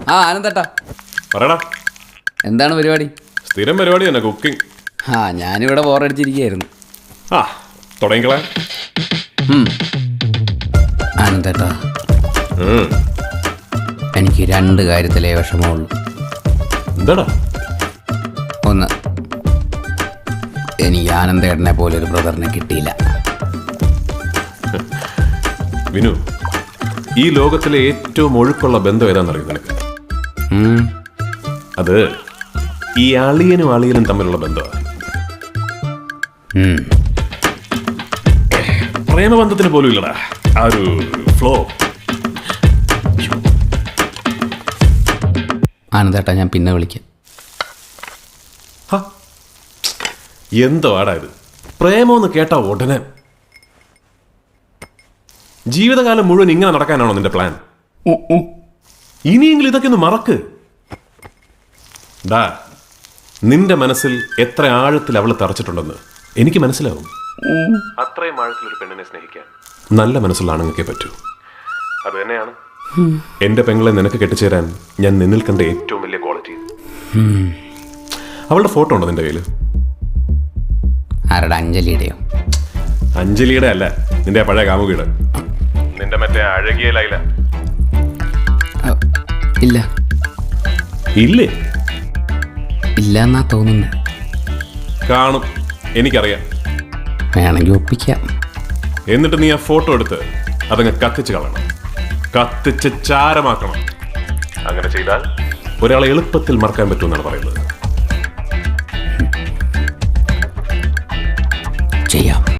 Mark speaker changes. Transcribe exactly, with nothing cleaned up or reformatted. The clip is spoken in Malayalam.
Speaker 1: ആ ആനന്ദേട്ടാ
Speaker 2: പറയടാ.
Speaker 1: എന്താണ് പരിപാടി?
Speaker 2: സ്ഥിരം പരിപാടി തന്നെ, കുക്കിംഗ്.
Speaker 1: ആ ഞാനിവിടെ ബോറടിച്ചിരിക്കുകയായിരുന്നു.
Speaker 2: ആ തുടങ്ങിക്കളാ.
Speaker 1: ആനന്ദേട്ടാ, എനിക്ക് രണ്ട് കാര്യത്തിലേ വിഷമമുള്ളൂ.
Speaker 2: എന്താടാ?
Speaker 1: ഒന്ന്, എനിക്ക് ആനന്ദേട്ടനെ പോലെ ഒരു ബ്രദറിനെ കിട്ടിയില്ല.
Speaker 2: വിനു, ഈ ലോകത്തിലെ ഏറ്റവും ഒഴുക്കുള്ള ബന്ധം ഏതാണെന്നറിയോ നിനക്ക്? അത് ഈ അളിയനും അളിയനും തമ്മിലുള്ള ബന്ധമാണ്. പ്രേമബന്ധത്തിന് പോലും ഇല്ലടാ ആ ഒരു ഫ്ലോ.
Speaker 1: ആനന്ദേട്ടാ, ഞാൻ പിന്നെ വിളിക്കാം.
Speaker 2: എന്തോ ആടാ ഇത്? പ്രേമമെന്ന് കേട്ടാ ഉടനെ. ജീവിതകാലം മുഴുവൻ ഇങ്ങനെ നടക്കാനാണോ നിന്റെ പ്ലാൻ? ഇനിയെങ്കിലും ഇതൊക്കെ ഒന്ന് മറക്ക്. ഡാ, നിന്റെ മനസ്സിൽ എത്ര ആഴത്തിൽ അവള് തറച്ചിട്ടുണ്ടെന്ന് എനിക്ക് മനസ്സിലാവും. അത്രയും ആഴത്തിൽ ഒരു പെണ്ണിനെ സ്നേഹിക്കാൻ നല്ല മനസ്സുള്ള ആണുങ്ങൾക്കേ പറ്റൂ. അത് തന്നെയാണ് എന്റെ പെങ്ങളെ നിനക്ക് കെട്ടിച്ചേരാൻ ഞാൻ നിന്നിൽ കണ്ട ഏറ്റവും വലിയ ക്വാളിറ്റി. അവളുടെ ഫോട്ടോ ഉണ്ടോ നിന്റെ കയ്യില്?
Speaker 1: ആരുടെ? അഞ്ജലിയുടെയോ?
Speaker 2: അഞ്ജലിയുടെ അല്ല, നിന്റെ പഴയ കാമുകിയുടെ. നിന്റെ മറ്റേ അഴകിയ ലൈല.
Speaker 1: ഇല്ല.
Speaker 2: ഇല്ലേ?
Speaker 1: ഇല്ല എന്നാ തോന്നുന്നു.
Speaker 2: കാണും, എനിക്കറിയാം.
Speaker 1: വേണമെങ്കിൽ ഒപ്പിക്കാം.
Speaker 2: എന്നിട്ട് നീ ആ ഫോട്ടോ എടുത്ത് അതങ്ങ് കത്തിച്ച് കളയണം, കത്തിച്ച് ചാരമാക്കണം. അങ്ങനെ ചെയ്താൽ ഒരാളെ എളുപ്പത്തിൽ മറക്കാൻ പറ്റുമെന്നാണ് പറയുന്നത്.